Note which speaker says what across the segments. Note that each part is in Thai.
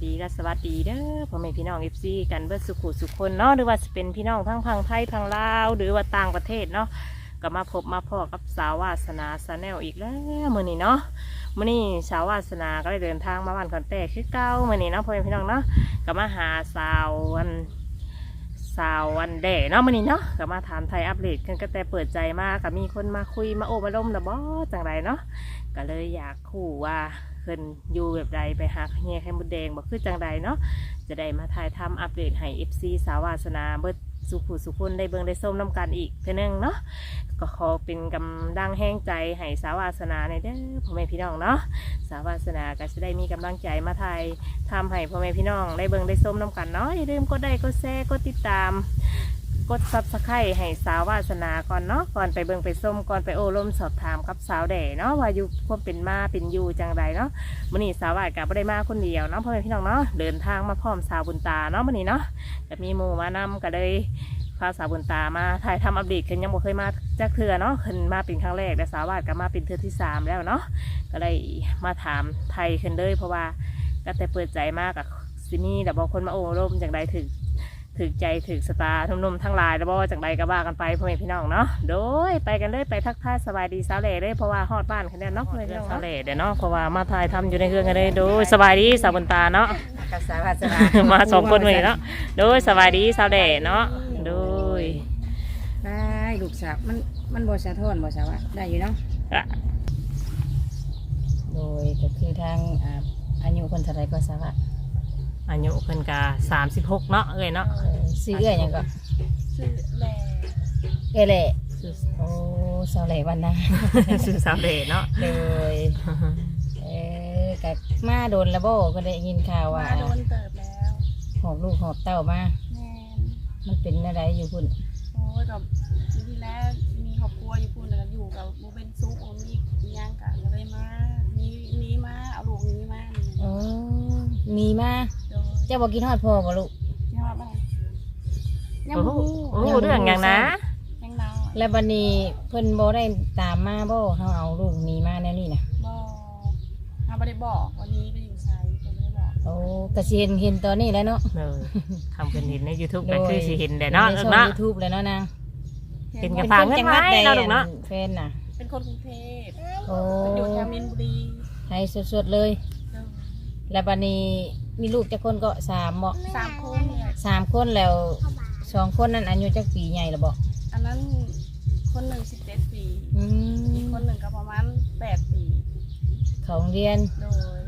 Speaker 1: ดีและสวัสดีเด้อพ่อแม่พี่น้องเอฟซีกันเบิดสุขุสุขคนเนาะหรือว่าจะเป็นพี่น้องทั้งพังไทยพังลาวหรือว่าต่างประเทศเนาะก็มาพบมาพ่อกับสาววาสนาชาแนลอีกแล้วมื้อนี้เนาะมื้อนี้สาววาสนาก็ได้เดินทางมาบ้านคอนแต้คือเก่ามื้อนี้เนาะพ่อแม่พี่น้องเนาะก็มาหาสาววันแด่เนาะมื้อนี้เนาะก็มาถามไทยอัปเดตกันก็แต่เปิดใจมาก็มีคนมาคุยมาโอ้มาล้มนะบ่จังไรเนาะก็เลยอยากคู่ว่าเพิ่นอยู่แบบใดไปหาเฮียไข่มดแดงบอกคือจังใดเนาะจะได้มาถ่ายทำอัปเดตให้ FC สาววาสนาเบิดสุขุสุขุนได้เบิ่งได้ส้มน้ำกันอีกเท่านึงเนาะก็ขอเป็นกำลังแห้งใจให้สาววาสนาในเด้อพ่อแม่พี่น้องเนาะสาววาสนาก็จะได้มีกำลังใจมาถ่ายทำให้พ่อแม่พี่น้องได้เบิ่งได้ส้มน้ำกันเนาะอย่าลืมกดไลค์กดแชร์กดติดตามกดซับสไครต์ให้สาววาสนาก่อนเนาะก่อนไปเบิ่งไปส้มก่อนไปโอ้ล้มสอบถามกับสาวแด่เนาะว่าอยู่ความเป็นมาเป็นอยู่จังใดเนาะมื้อนี้สาววาสก็บ่ได้มาคนเดียวเนาะพ่อแม่พี่น้องเนาะเดินทางมาพร้อมสาวบุญตาเนาะมื้อนี้เนาะก็มีหมู่มานำก็เลยพาสาวบุญตามาถ่ายทำอัปเดตขึ้นยังบ่เคยมาจักเทื่อเนาะขึ้นมาเป็นครั้งแรกแต่สาววาสก็มาเป็นเทื่อที่3แล้วเนาะก็เลยมาถามไทยขึ้นเลยเพราะว่าก็แต่เปิดใจมากกับซินี่แต่บอกคนมาโอ้ล้มจังใดถึกใจถึกสตาร์นุ่มๆทั้งหลายแล้วบ่จากใดก็ว่ากันไปพ่อแม่พี่น้องเนาะโดยไปกันเลยไปทักทายสบายดีสาวเหล่เลยเพราะว่าฮอดบ้านคันเดียวเนาะเลยสาวเหล่เดี๋ยวเนาะเพราะว่ามาถ่ายทำอยู่ในเครื่องกันเลยโดยสบายดีสาวบนตาเนาะ
Speaker 2: กับสาวาสนา
Speaker 1: มา2 คนเลยเนาะโดยสบายดีสาวเหล่เนาะโดย
Speaker 2: ได้ลูกสาวมันบ่สะท้อนบ่สาวะได้อยู่เนาะโดยก็คือทางอายุคนเท่าไรก็สาวะ
Speaker 1: อายุเพิ่นก็36เนาะเอ้ยเนาะ
Speaker 2: ซื้อเอ้ยหยังก็
Speaker 3: ซื้อแหล่
Speaker 2: เล่โอ้สาวแหล่วันนะ
Speaker 1: ชื่อสาวเหล่เนาะ
Speaker 2: โดยกับมาโดนระโบก็ได้ยินข่าวว่า
Speaker 3: มาโดนเติบแล้ว
Speaker 2: หอบลูกหอบเต้ามา
Speaker 3: แม่
Speaker 2: มันเป็นอะไรอยู่พุ่น
Speaker 3: โอ้ยกับที่แรกมีครอบครัวอยู่พุ่นแล้วอยู่กับโมเป็นซุกมีย่างกะเลยมามีมาเอาลูกนี้มา
Speaker 2: อ๋อมีมาเจ้าบอกกินฮอดพ่อบ่ลูก
Speaker 3: ที่ฮอดบ้านยังบ่
Speaker 1: โอ้เรื่องอย่างนะ
Speaker 3: ยังน้อย
Speaker 2: แล้วบัดนี้เพิ่นบ่ได้ตามมาบ่เฮาเอาลูกนี้มาแนวนี้น่ะ
Speaker 3: บ่เฮาบ่ได้บอกวันนี้ไปอยู่ไสเพิ่นบ่ได้บอก
Speaker 2: โอ้ก็สิเห็นตอนนี้แหล้วเนาะ
Speaker 1: ทำเป็นเห็นใน YouTube ก็คือสิเห็นแต่เนาะเนาะ
Speaker 2: YouTube แล้วเนาะนาง
Speaker 1: เห็นกับฝากเงินไว้เนาะลูกเนาะ
Speaker 2: แฟนน่ะ
Speaker 3: เป็นคนกรุงเทพ
Speaker 2: โอ้
Speaker 3: อยู่แถวมีนบุรี
Speaker 2: ไทยสดๆเลยแล้วบัดนี้มีลูกจักคนก็3เหมาะ
Speaker 3: 3 คน
Speaker 2: 3คนแล้ว2คนนั้นอายุจักปีใหญ่แล้วบ่
Speaker 3: อันนั้นคนหนึ่ง17 ปีอีกคนหนึ่งก็ประมาณ8 ปี
Speaker 2: เขาโรงเรียน
Speaker 3: โดย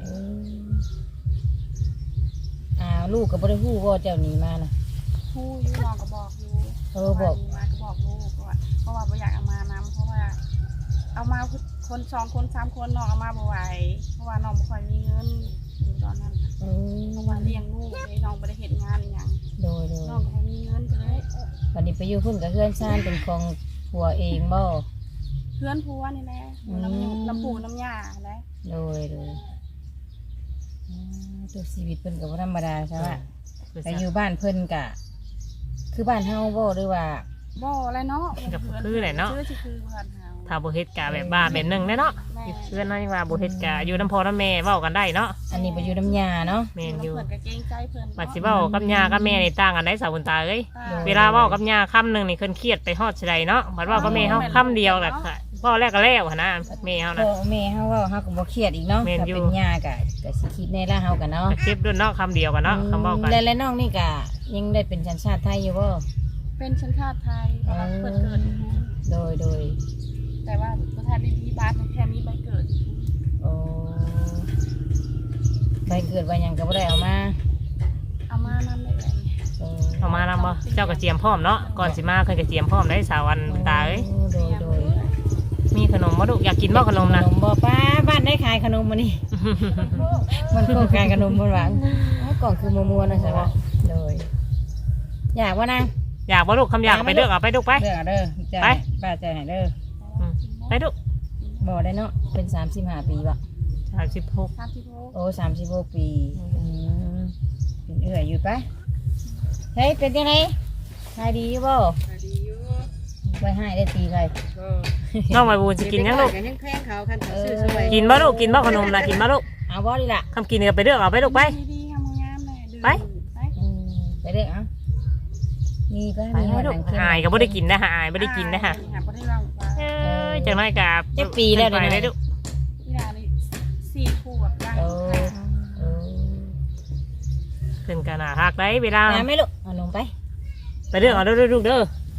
Speaker 2: ลูกก็บ่ได้ฮู้ว่าเจ้าหนีมาน่ะ
Speaker 3: ฮู้อยู่น้องก็บอกอยู่
Speaker 2: บอก
Speaker 3: มาก็บอกลูกว่าเพราะว่าบ่อยากเอามานำเพราะว่าเอามาคน2 คน 3 คนน้องเอามาบ่ไหวเพราะว่าน้องบ่ค่อยมีเงินอยู่ตอนนั้นเพราะว่าเลี้ยงลูกเลยน้องบ่ได้เฮ็ดงานอีหยัง
Speaker 2: โดย
Speaker 3: น้องก็บ่มีเงินก็เลย
Speaker 2: วันนี้ไปอยู่พุ่นกับเพื่อนซ่านเป็นของผัวเองบ่
Speaker 3: เพื่อนผัวนี่แหละน้ำปูน้ำยาแหละ
Speaker 2: โดยตัวชีวิตเพิ่นก็บ่ธรรมดาใช่ป่ะไปอยู่บ้านเพิ่นก็คือบ้านเฮาบ่หรือว่า
Speaker 3: บ่อะไรเนาะ
Speaker 1: คือแหละเนาะ
Speaker 3: คือบ้านเฮา
Speaker 1: ถ้าบ่เฮ็ดกะแบบบ้านแบบนึงเนาะเพื่อนน้อยว่าบ่เฮ็ดกะอยู่น้ำพ่อน้ำแม่เว้ากันได้เนาะ
Speaker 2: อันนี้บ่อยู่น้ำยาเนาะ
Speaker 1: แม่นอยู่
Speaker 3: เพิ่นก็เกรงใจเพิ่น
Speaker 1: ว่าสิเว้ากับย่ากับแม่นี่ต่างกันได้สาวบุญตาเอ้ยเวลาเว้ากับย่าคำนึงนี่เพิ่นเครียดไปฮอดสิได้เนาะบัดเว้ากับแม่เฮาคำเดียวแหละพ่อแรกก็แล้วหั่นนะแม่เฮานะ
Speaker 2: แม่เฮาเว้าเฮาก็บ่เครียดอีกเนาะถ้าเป็นย่าก็สิคิดแน่ละเฮากันเนาะ
Speaker 1: เจ็บด้วยเนาะคำเดียวกันเนาะคำเว้ากัน
Speaker 2: แล้วน้องนี่ก็ยังได้เป็นสัญชาติไทยอยู่บ่
Speaker 3: เป็นสัญชาติไทยเกิด
Speaker 2: โดย
Speaker 3: แต่ว่าบ่ทันได้มีบ้านแค่มีใบเกิด
Speaker 2: โอ้ใบเกิดใบหยังก็บ่ได้เอาม
Speaker 3: านำได้เลย
Speaker 1: เอามานำบ่เจ้ากระเจียมพร้อมเนาะก่อนสิมาเพิ่นกระเจียมพร้อมได้สาววันตาเอ้ย
Speaker 2: โดย
Speaker 1: มีขนมบ่ลูกอยากกินบ่ขนมนะ
Speaker 2: ขนมบ่ป้าบ้านได้ขายขนมมื้อนี้มันโครงการขนมบ่หวังกล่องคือมัวๆนะใช่ป่ะโดยอยากบ่นาง
Speaker 1: อยากบ่ลูกคำอยากไปเด้อเอาไปลูกไป
Speaker 2: เด้อไปป้าใจให้เด้อ
Speaker 1: ไปลูก
Speaker 2: บ่ได้เนาะเป็น35 ปีบ่
Speaker 1: 36
Speaker 2: โอ้36 ปีเป็นเอื้อยอยู่ปะเฮ้ยเป็นยังไงขายดีอยู่บ่
Speaker 3: ดีอยู่
Speaker 2: ไว้ให้ได้ตีใคร
Speaker 1: น้องใบบุญสิกินยังลูกกินบ่ลูกกินบ่ขนมนะกินบ่ลูก
Speaker 2: เอาบ่ดีล่ะ
Speaker 1: คำกินก็ไปเด้อเอาไปลูกไปไป
Speaker 2: ไปเด้อเอ้ามีไป
Speaker 1: ไป
Speaker 2: มี
Speaker 1: ให้
Speaker 2: ห
Speaker 1: ลู
Speaker 2: นั
Speaker 1: ก
Speaker 2: งเข้ม
Speaker 1: อายก็บ่ได้กินนะฮะอายบ่ได้กินนะฮะ
Speaker 3: บ่ได้เล่าว่า
Speaker 1: จังไรกับ
Speaker 2: จักปีแล้ว
Speaker 1: ไป
Speaker 2: เดี๋ยว
Speaker 1: ได้
Speaker 2: นี้
Speaker 1: ลูก
Speaker 3: อีหลานี่4ขวบย่าง
Speaker 2: โอ้โอ้
Speaker 1: ขึ้นกันน่ะหักได้เวลา
Speaker 2: น้ำไหม่ลูกเอาลงไป
Speaker 1: ไปเด้อเอาเด้อลูกเด้อ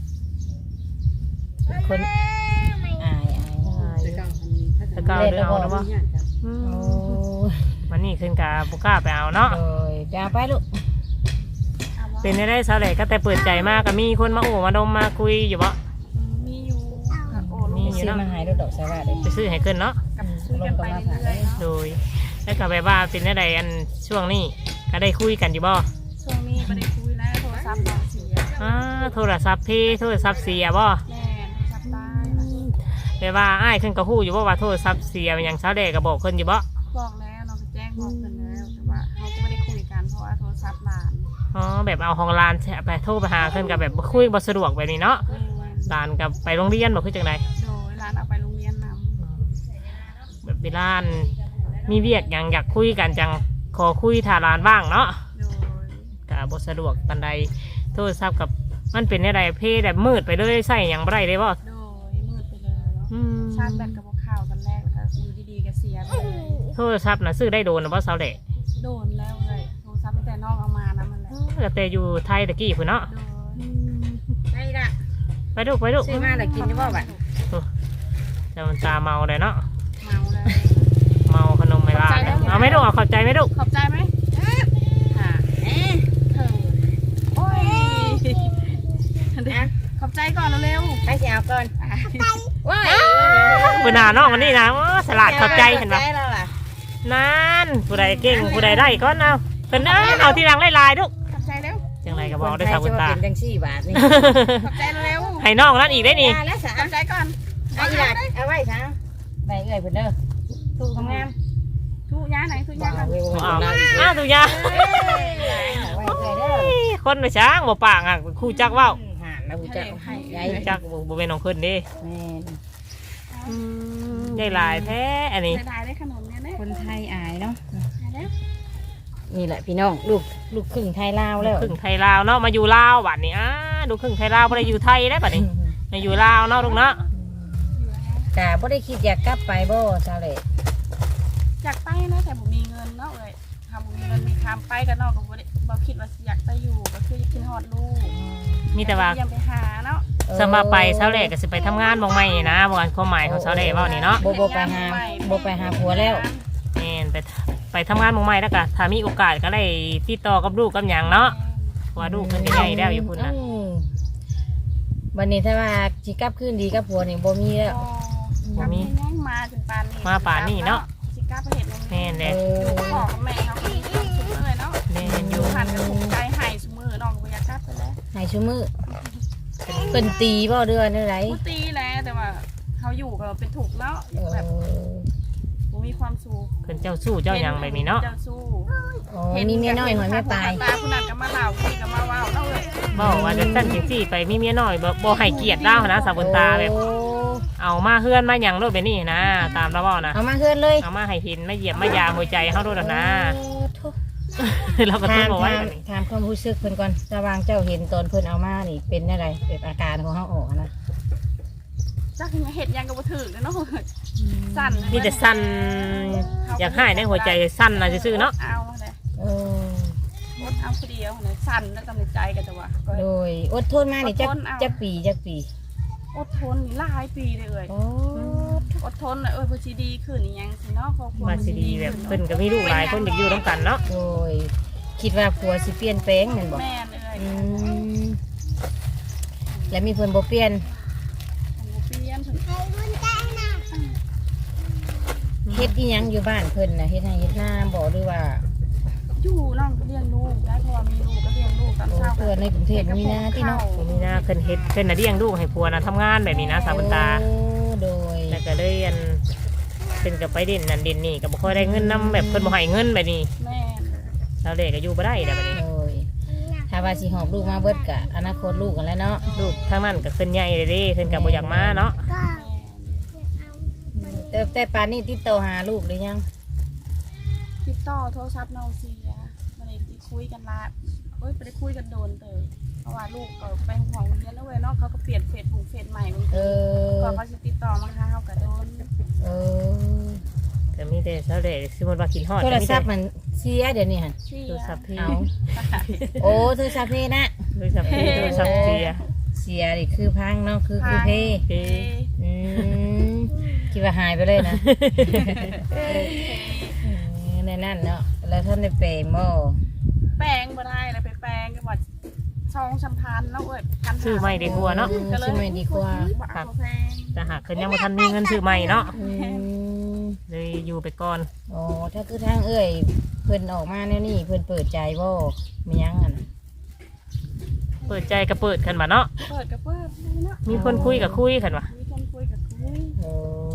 Speaker 2: คนอาย
Speaker 1: แล้วก็เอาเด้อเอานะบ่
Speaker 2: โอ้
Speaker 1: วันนี้ขึ้นกับบุกล้าไปเอาเนาะ
Speaker 2: โดยจะเอาไปลูก
Speaker 1: เป็นได้สาวแหล่ก็แต่เปิดใจมากก็มีคนมาโอ้มาดมมาคุยอยู่บ่
Speaker 3: มีอยู่โอ้
Speaker 1: มี
Speaker 3: ลูก
Speaker 1: อยู่
Speaker 2: ซื้อ
Speaker 1: เนาะ
Speaker 2: มาให้ลูกดอกสวัสดิ์
Speaker 1: ไปซื้อให้ขึ้นเนาะ
Speaker 3: กับซื้อกันไปเรื่อยๆเนาะ
Speaker 1: โดยแล้วก็แบบว่าเป็นได้อันช่วงนี้ก็ได้คุยกันอยู่บ่
Speaker 3: ช่วงนี้บ่ได้คุยแล้วโทรศัพท์น้องเสีย
Speaker 1: โทรศัพท์พี่โทรศัพท์เสียบ่
Speaker 3: แม่โทรศัพท์ตาย
Speaker 1: แบบว่าอ้ายขึ้นก็ฮู้อยู่บ่ว่าโทรศัพท์เสียอย่างสาวแหล่ก็บอกขึ้นอยู่บ่
Speaker 3: บอกแล้วน้องก็แจ้งบอกเพิ่นแล้วแต่ว่าเขาก็ไม่ได้คุยกันเพราะว่าโทรศัพท์หลาน
Speaker 1: อ๋อแบบเอาของร้านไปโทรไปหาขึ้นกับแบบคุยบ่สะดวกแบบนี้เนาะ
Speaker 3: แม่
Speaker 1: ร้านกับไปโรงเรียนบ่คือจังได
Speaker 3: โดยหลานเอาไปโรงเรียนนำ
Speaker 1: แบบเวลามีเวียกหยังอยากคุยกันจังขอคุยถ้าร้านว่างเนาะ
Speaker 3: โดย
Speaker 1: ก็บ่สะดวกปานใดโทรศัพท์กับมันเป็นอะไรเพแบบมืดไปเลยใส่หยังบ่ได้เลยบ่
Speaker 3: โดยมืดไปเลยชาร์จแบตกับพวกข่าวตอนแรกแล้วก็อยู่ดีๆก็เสียไปเลย
Speaker 1: โทรศัพท์น่ะซื้อได้โดนนะบ่สาวแหล่
Speaker 3: โดนแล้วเลยโทรศัพท์ตั้งแต่น้องเอามานะมันแหละ
Speaker 1: ก็แต่อยู่ไทยตะกี้พุ่นเนาะ
Speaker 3: โดย
Speaker 2: ได้ละ
Speaker 1: ไปลูกไปลูก
Speaker 2: ซื้อมาแล้วกินได้บ่บัด
Speaker 1: แต่มันตาเมาเลยเนาะ
Speaker 3: เมาเลย
Speaker 1: เมาขนมไม่ลาเอาไหม่ลูกเอาเข้าใจไหมลูก
Speaker 3: ขอบใจไหมค่ะเอ๊ะเธอโอ้ยขอบใจก่อนเร็ว
Speaker 2: ไปสิเอาก่อนว้าย
Speaker 1: ปืนหน้าน้องอันนี้นะสลัดขอบใจเห็นปะ
Speaker 2: ใจแล้วล่ะ
Speaker 1: นั่นผู้ใดเก่งผู้ใดได้ก็เอาเพิ่นเอาที่หลังลายๆลูก
Speaker 3: ๆขอบใจเร็ว
Speaker 1: จังไรก็บอกได้สาวบุญตา
Speaker 2: เป็นจัง4 บาทนี่
Speaker 3: ขอบใจเร็ว
Speaker 1: ให้น้องนั่นอีกได้นี่
Speaker 2: ได้แล้วสา
Speaker 3: ขอบใจก่อน
Speaker 2: เอาอีหลาเอาไว้ซะไปเอ้ยเพิ่นเด้อถูกงาม
Speaker 3: ทุย่าไหนทุย่ากัน
Speaker 1: อ้าวตุยา
Speaker 2: เอาไว้เอ้ยเด้อ
Speaker 1: คนไปช้างบ่ปากอ่ะคู่จักเว้า
Speaker 2: หาแล้วจักใหญ่
Speaker 1: จักบ่เป็นของเพิ่นเด้
Speaker 2: แม่น
Speaker 1: ใหญ่หลายแท้อันนี้
Speaker 3: ได้ได้ขนมเนี่ยเนี่ย
Speaker 2: คนไทยอายเนาะ
Speaker 3: ได้
Speaker 2: นี่แหละพี่น้องลูกครึ่งไทยลาวแล้ว
Speaker 1: ครึ่งไทยลาวเนาะมาอยู่ลาวบัดนี้ดูครึ่งไทยลาวบ่ได้อยู่ไทยได้บัดนี้มาอยู่ลาวเนาะลูกเนาะ
Speaker 2: กะบ่ได้คิดอยากกลับไปบ่ซาเลย
Speaker 3: อยากไปนะแต่ผมมีเงินเนาะเลยทำมีเงินมีคำไปกันนอกก็บ่คิดว่าอยากไปอยู่ก็คือกินฮอดลูก
Speaker 1: มีแต่ว่า
Speaker 3: เยี่ยมไปหาเนาะ
Speaker 1: สำหรับไปเช้าแรกก็สิไปทำงานบ่ใหม่นะบ่ว่าความหมายของเช้าแรกเว้านี่เนาะ
Speaker 2: บ่ไปหาผัวแล้ว
Speaker 1: แม่นไปทำงานบ่ใหม่แล้วก็ถ้ามีโอกาสก็ได้ติดต่อกับลูกกับหยังเนาะเพราะว่าลูกเพิ่นก็ใหญ่แล้วอยู่พุ่นน่ะ
Speaker 2: วันนี้ถ้าว่าสิกลับคืนดีกับผัวนี่บ่มีแล้ว
Speaker 3: ก็มีมาถึงปานนี้
Speaker 1: มาป่านนี้เนาะ
Speaker 3: สิกล้าไปเห็น
Speaker 1: แม่นแหละ
Speaker 3: อยู่กับพ่อกับแม่เขาก็มีความสุขเลยเนาะ
Speaker 1: แม่นอ
Speaker 3: อยู่ ยู่หันกันถูกใจหายสมือน้องก็อยากกลับไปแล้ว
Speaker 2: ให้ชุมือเพิ่นตีบ่เดือนอะไร
Speaker 3: กูตีแล้วแต่ว่าเขาอยู่ก็เป็นถูกเนาะอยู่แบบกูมีความสุข
Speaker 1: เพิ่นเจ้าสู้เจ้าหยังแบบนี้เนาะ
Speaker 3: เจ้าสู้
Speaker 2: อ๋อมีเมียน้อยหอยแม่ตาย
Speaker 3: ตาคุณนันก็มาเล่าคุยก็มาเว้าเนาะเลย
Speaker 1: บอกว่าจะสั่นจังซี่ไปมีเมียน้อยบ่ให้เกียรติเรานะสาวบนตาแบบ
Speaker 2: โอ้
Speaker 1: เอามาเฮือนมาหยังโลดแบบนี้นะตามเราเว้านะ
Speaker 2: เอามาเฮือนเลย
Speaker 1: เอามาให้เห็นมาเหยียบมายามหัวใจเฮาโลดนะ
Speaker 2: โอ้โธ่
Speaker 1: เราก็ต้
Speaker 2: ถา
Speaker 1: อง
Speaker 2: ม
Speaker 1: บอกไว้แบบนี้
Speaker 2: ถามความรู้สึกเพิ่นก่อนระหว่างเจ้าเห็นตอนเพิ่นเอามานี่เป็นอะไรเป็นอาการของเฮาออกนะ
Speaker 3: จักเห็ดยังก็บ่ถึงเนาะสั่น
Speaker 1: มีแต่สั่นอยากให้ในหัวใจสั่นน่ะซื่อๆเนาะ
Speaker 3: เอาเลย
Speaker 2: โอ้
Speaker 3: อดเอาคนเดียวเลยสั่นแล้วกำลังใจกันแต่ว่า
Speaker 2: โดยอดทนมานี่จักปี
Speaker 3: อดทนนี่หลายปีเลย
Speaker 2: โอ้
Speaker 3: อดทนเลยพอชีดีขึ้นนี่ยังสิเนาะครอบครัว
Speaker 1: มาสิดีแบบเพิ่นก็มีลูกหลายคนอยากอยู่ร่วมกันเนาะ
Speaker 2: โดยคิดว่าผัวสิเปลี่ยนแปลงแม่นบ่
Speaker 3: แม่เลย
Speaker 2: อืมแล้วมีเพิ่นบ่เปลี่ยน
Speaker 3: เปลี่ยนถึง
Speaker 2: เฮ็ดอีหยังอยู่บ้านเพิ่นน่ะเฮ็ดให้เฮ็ดนาบ่หรือว่า
Speaker 3: อยู่น้องก็เลี้ยงลูกได้เพราะว่ามีลูกก็เลี้ยงลูกตอน
Speaker 2: โอ้
Speaker 3: เช้า
Speaker 2: เพิ่นในกรุงเทพมีนาที่เนาะ
Speaker 1: นี่นะเพิ่นเฮ็ดเพิ่นน่ะเลี้ยงลูกให้ผัวน่ะทำงานแบบนี้นะสาวบนตา
Speaker 2: โอ้โดย
Speaker 1: แล้วก็เลยอันเป็นกับไปเด่นนั่นเด่นนี่ก็บ่ค่อยได้เงินนํแบบเพิ่นบ่ให้เงินแบบนี้
Speaker 3: แม่
Speaker 1: แล้วเด็กก็อยู่บ่ได้แล้วแบบนี้
Speaker 2: โดยถ้าว่าสิหอบลูกมาเบิดก็อนาคตลูกกันแล้วเนาะ
Speaker 1: ลูกทางนั้นก็ขึ้นใหญ่เลยเด้ขึ้นก็บ่อยากมาเนาะ
Speaker 2: แต่ปานนี้ติดต่อหาลูกหรือยัง
Speaker 3: ติดต่อโทรศัพท์น้องเสียไม่ได้ติดคุยกันละไปได้คุยกันโดนเลยเพราะว่าลูกก็ไปห่วงเรียนแล้วเว้ยเนาะเขาก็เปลี่ยนเฟซบุ๊กเฟซใหม่บางทีก็เขาจะติดต่อมาหาเขาก็โดน
Speaker 1: ก็มีแต่เสาเด็กสมมติว่ากินฮอด
Speaker 2: โทร
Speaker 1: ก็มี
Speaker 2: ศั
Speaker 1: แต่
Speaker 2: พท์มันเสียเดี๋ยวนี้ฮะ
Speaker 3: เสี
Speaker 1: โทร
Speaker 3: ย
Speaker 1: ศัพท์พี่
Speaker 2: เอาโอ้โทรศัพท์เพนะ
Speaker 1: โทรศัพท์พี่โทรศัพท์เสีย
Speaker 2: เสียดิคือพังเนาะคือเพ
Speaker 1: เพ
Speaker 2: อืมคิดว่าหายไปเลยนะในนั่นเนาะแล้วท่านได้เปรย์โม่
Speaker 3: แปลงบ่ได้เลยไปแปลงกันว่าช่องสัมพันธ์แล้วพัน
Speaker 1: ซื้อใหม่ดีกว่าเนาะ
Speaker 2: ซื้อใหม่ดีกว่า
Speaker 3: บักแพง
Speaker 1: แต่หากเพิ่นยังบ่ทันมีเงินซื้อใหม่เนาะ
Speaker 2: อืม
Speaker 1: เลยอยู่ไปก่อน
Speaker 2: โอ้ถ้าคือทางเอ้ยเพิ่นออกมาแนวนี้เพิ่นเปิดใจบ่มียังอ่ะนะ
Speaker 1: เปิดใจก็เปิดกันมาเนาะ
Speaker 3: เปิดกับเปิดเนาะ
Speaker 1: มีคนคุยก็คุยกันว่ะ
Speaker 3: มีคนคุยกับคุย
Speaker 2: โอ้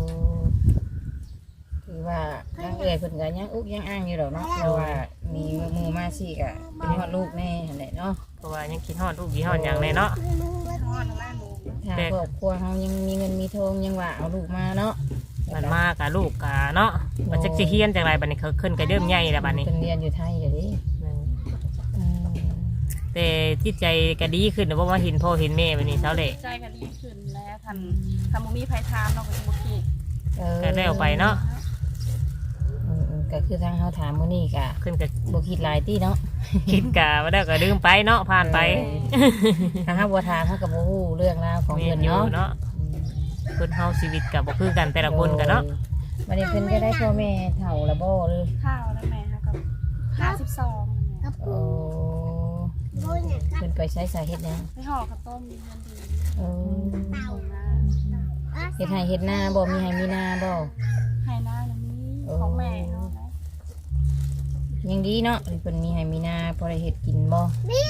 Speaker 2: คือว่าทางเอ้ยเพิ่นก็ยังอุกยังอ้างอยู่ดอกเนาะเพราะว่ามีหมู่มาสิก็เป็นฮอดลูกแน่นั่นแหละเนาะ
Speaker 1: เพราะว่ายังคิดฮอดลูกกี่ฮอดหยังเลยเนาะ
Speaker 3: ทอดแล้วแม่ลูก
Speaker 2: ถ้าครอบครัวเฮายังมีเงินมีทองยังว่าเอาลูกมาเนาะ
Speaker 1: มันมากกับลูกกะเนาะมันจักสิเฮียนจังไรบัดนี้เขาขึ้นก็เริ่มใหญ่แล้วบัดนี้
Speaker 2: เพิ่นเรียนอยู่ไทยเดี๋ยวนี้อืม
Speaker 1: แต่จิตใจก็ดีขึ้นเพราะว่าเห็นพ่อเห็นแม่บัดนี้เท่าเลย
Speaker 3: ใจกันดีขึ้นแล้วทันบ่มีไผถามเราก็สิบ่คิด
Speaker 1: ก็ได้เอาไปเนาะ
Speaker 2: ก็คือทางเฮาถามมื้อนี้ก็
Speaker 1: ขึ้นก็
Speaker 2: บ่คิดหลายติเนาะ
Speaker 1: คิดกะว่าได้ก็ลืมไปเนาะผ่านไป
Speaker 2: ถ้าเฮาบ่ถามเฮาก็บ่ฮู้เรื่องราวของ
Speaker 1: เมี
Speaker 2: เพิ่
Speaker 1: ยน
Speaker 2: น
Speaker 1: อยู่
Speaker 2: เนาะ
Speaker 1: เนาะคนเฮาชีวิตกับบ่คือกันแต่ละคนกันเนาะ
Speaker 2: วันนี้เพิ่นก็ได้พ่อแม่เฒ่าละบ่เลย
Speaker 3: ข้าวแล้วแม่กับ52
Speaker 2: โอ้เพิ่นไปใช้สาเหตุหยัง
Speaker 3: ไปห่อข้าวต้มเงินดี
Speaker 2: โอ้
Speaker 3: ส่งมา
Speaker 2: เฮ็ดให้เฮ็ดนาบ่มีให้มีนาบ่
Speaker 3: ให้หน้าแล้วนี้ของแม่เฮาแล้ว
Speaker 2: ยังดีเนาะเพิ่นมีให้มีนาพอได้เฮ็ดกินบ่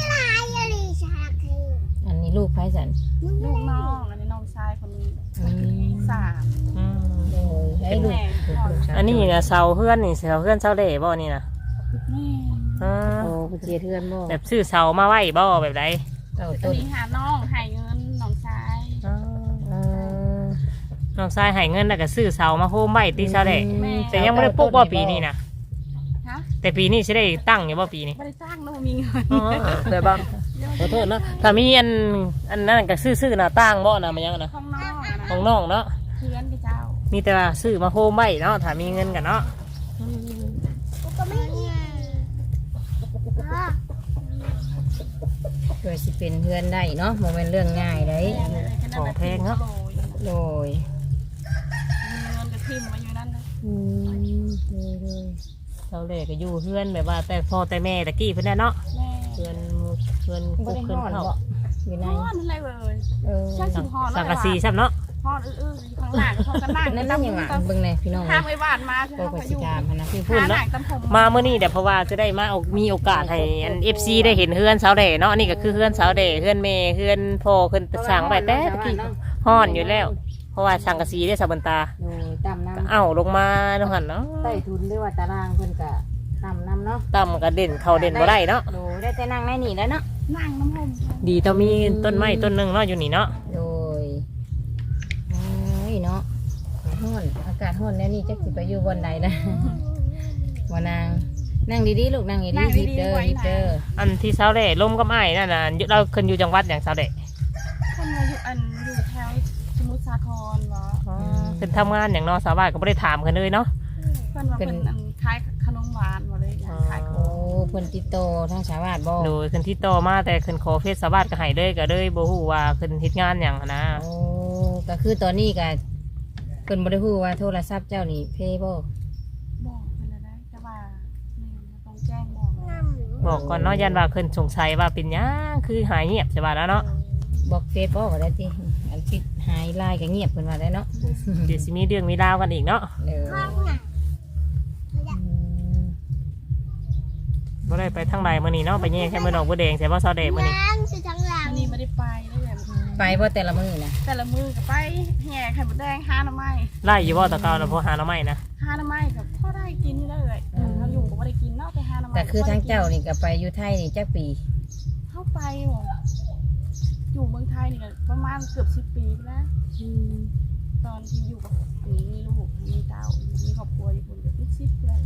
Speaker 2: อันนี้ลูกไผสัน
Speaker 3: ลูกน้องอันนี้น้องชายคนนี้
Speaker 2: อืม
Speaker 3: 3
Speaker 1: อืม
Speaker 2: โอ้ยให้ลูก
Speaker 1: อันนี้น่ะเสาเฮือนนี่เสาเฮือนเสาเล่บ่นี่น่ะ
Speaker 3: นี่
Speaker 1: อ่า
Speaker 2: โอ้เพิ่นเจียเทือนบ่
Speaker 1: แบบซื้อเสามาไว้บ่แบบใด
Speaker 2: เต้า
Speaker 3: อั
Speaker 2: ต้
Speaker 3: น
Speaker 2: น
Speaker 3: นี้หาน้องให้เงินน้องชาย
Speaker 1: อ่า
Speaker 2: เออ
Speaker 1: น้องชายให้เงินแล้วก็ซื้อเสามาโฮมไว้ที่เสาเล่
Speaker 3: แม่
Speaker 1: แต่ยังบ่ได้ปลูกบ่ปีนี้น่ะ
Speaker 3: ฮะ
Speaker 1: แต่ปีนี้สิได้ตั้งอยู่บ่ปีนี้
Speaker 3: ไม่ได้จ้างแล้วมีเงิน
Speaker 1: อ๋อแต่บ้างขอโทษเนาะถ้ามีอันนั้นก็ซื้อหน้าต่างบ่นะมันยังนะ
Speaker 3: ข้างนอกอะนะ
Speaker 1: ของน้องเนาะ
Speaker 3: เพื่อนพี่เจ้า
Speaker 1: มีแต่ว่าซื้อมาโฮมไว้เนาะถ้ามีเงินกันเนาะ
Speaker 2: เพื่อสิเป็นเพื่อนได้เนาะบ่แม่นเรื่องง่ายได้
Speaker 1: ของแพงเนาะ
Speaker 2: โดย
Speaker 3: มีเงินจะทิมมาอยู่นั่นนะ
Speaker 2: อืมเลย
Speaker 1: เราเลยก็อยู่เพื่อนแบบว่าแต่พ่อแต่แม่ตะกี้เพิ่นน่ะเนาะ
Speaker 3: แม่
Speaker 1: เพื่อนกุ๊กเพื่อนเข้า
Speaker 2: อยู่ใน
Speaker 3: ฮอนอะไรเลย
Speaker 2: เออ
Speaker 3: ใช่สิฮอน
Speaker 1: สังกะสีซ้ำเนาะ
Speaker 3: ฮอนอื้อๆข้างหลังข้างหลัง
Speaker 2: นั่นนั่นยังหวานเบิ่งในพี่น้อง
Speaker 3: ข้ามไอ้บ้านมาคือ
Speaker 2: โต
Speaker 3: เขา
Speaker 2: ก
Speaker 3: ไป
Speaker 2: สิ
Speaker 3: อยู่
Speaker 2: กามพนะ
Speaker 1: ที่พูด
Speaker 3: หาห
Speaker 1: เนาะ
Speaker 3: นังตำผม
Speaker 1: มาเมื่อนี้เดี๋ยวเพราะว่าจะได้มามีโอกาสให้อัน FC ได้เห็นเฮือนสาวเดเนาะนี่ก็คือเฮือนสาวเดเฮือนแม่เฮือนพ่อเพิ่นสร้างไว้แต่ตะกี้ฮ้อนอยู่แล้ว เพราะว่าสังกะสีได้สะบันตา
Speaker 2: โดยตำน้
Speaker 1: ก็เอาลงมาเนาะหั่นเนาะ
Speaker 2: ำใต้ทุนหรือว่าตารางเพิ่นก็ตำน้ำเนาะ
Speaker 1: ต่ำก็เด่นเขาเด่นบ่ได้เนาะ
Speaker 2: โดยได้แต่นั่งในนี่แล้วเนาะ
Speaker 3: นั่งน้ำผม
Speaker 1: ดีต้องมีต้นไม้ต้นหนึงเนาะอยู่นี่เนาะ
Speaker 2: โดยโอ้ยเนาะร้อนอากาศร้อนแล้วนี่จักสิไปอยู่บนใดนะว่านางนั่งดีๆลูกนั่งดีๆฮิปเดอร์ฮิปเดอร์
Speaker 1: อันที่สาวเดลมก็ไม่นั่นน่ะเราขึ้นอยู่จังหวัดอย่างสาวเด
Speaker 3: คนมาอยู่อยู่แถวสมุทรสาครเหรอ
Speaker 1: ขึ้นทำงานอย่างเนอสาวบ้านก็ไม่ได้ถามกันเลยเนาะ
Speaker 3: เพื่อนว่าเป็นขายขนมหวานมาเลยขายข
Speaker 2: โอ้
Speaker 3: อง
Speaker 2: เพิ่นติดโตทางชาวบ้านบ่
Speaker 1: โดยขึ้นที่ต่อมาแต่ขึ้นขอเฟซสาวบ้านก็ให้เลยก็เลยบ่ฮู้ว่าขึ้นเฮ็ดงานอย่างหั้นนะ
Speaker 2: โอ้ก็คือตอนนี้ก็เพิ่นบ่ได้ฮู้ว่าโทรศัพท์เจ้านี่เพย์บ่
Speaker 3: บอกเป็นอะไรแต่ว่าต้องแจ้งบอก
Speaker 1: บอกก่อนเนาะยันว่าขึ้นสงสัยว่าเป็นหยังคือหายเงียบใช่ป่ะแล้วเนาะ
Speaker 2: บอกเฟซบ่ก็ได้ติอันปิดหายไลน์ก็เงียบเพิ่นว่าได้เนาะ
Speaker 1: เดี๋ยวสิมีเรื่องมีราวกันอีกเนาะ
Speaker 2: เด้ออืม
Speaker 1: บ่ได้ไปทางใดมื้อนี้เนาะไปแย่แค่มื้อดอกบัวแดงใช่บ่สาวเดมื้อนี้
Speaker 3: อันนี้ไม่ได้ไปเลยแบบ
Speaker 2: ไปบ่แต่ละมื้อนะ
Speaker 3: แต่ละมือก็ไปแห่ไข่มดแดงห้าหน้ำไม้
Speaker 1: ไล่อยู่บ่ตะเกาแล้วพอหาหน่อไม้นะ
Speaker 3: ห้าหน้ำไม้กับพ่อได้กินเลยเขาอยู่ก็ไม่ได้กินเนาะแต่ห้าหน้ำไม้
Speaker 2: แต่คือทางเจ้านี่ก็ไปอยู่ไทยนี่จักปี
Speaker 3: เข้าไปอยู่เมืองไทยนี่ประมาณเกือบ10 ปีแล้วตอนที่อยู่กับอันนี้มีลูกมีเต้ามีครอบครัวอยู่คนเดียว10เลย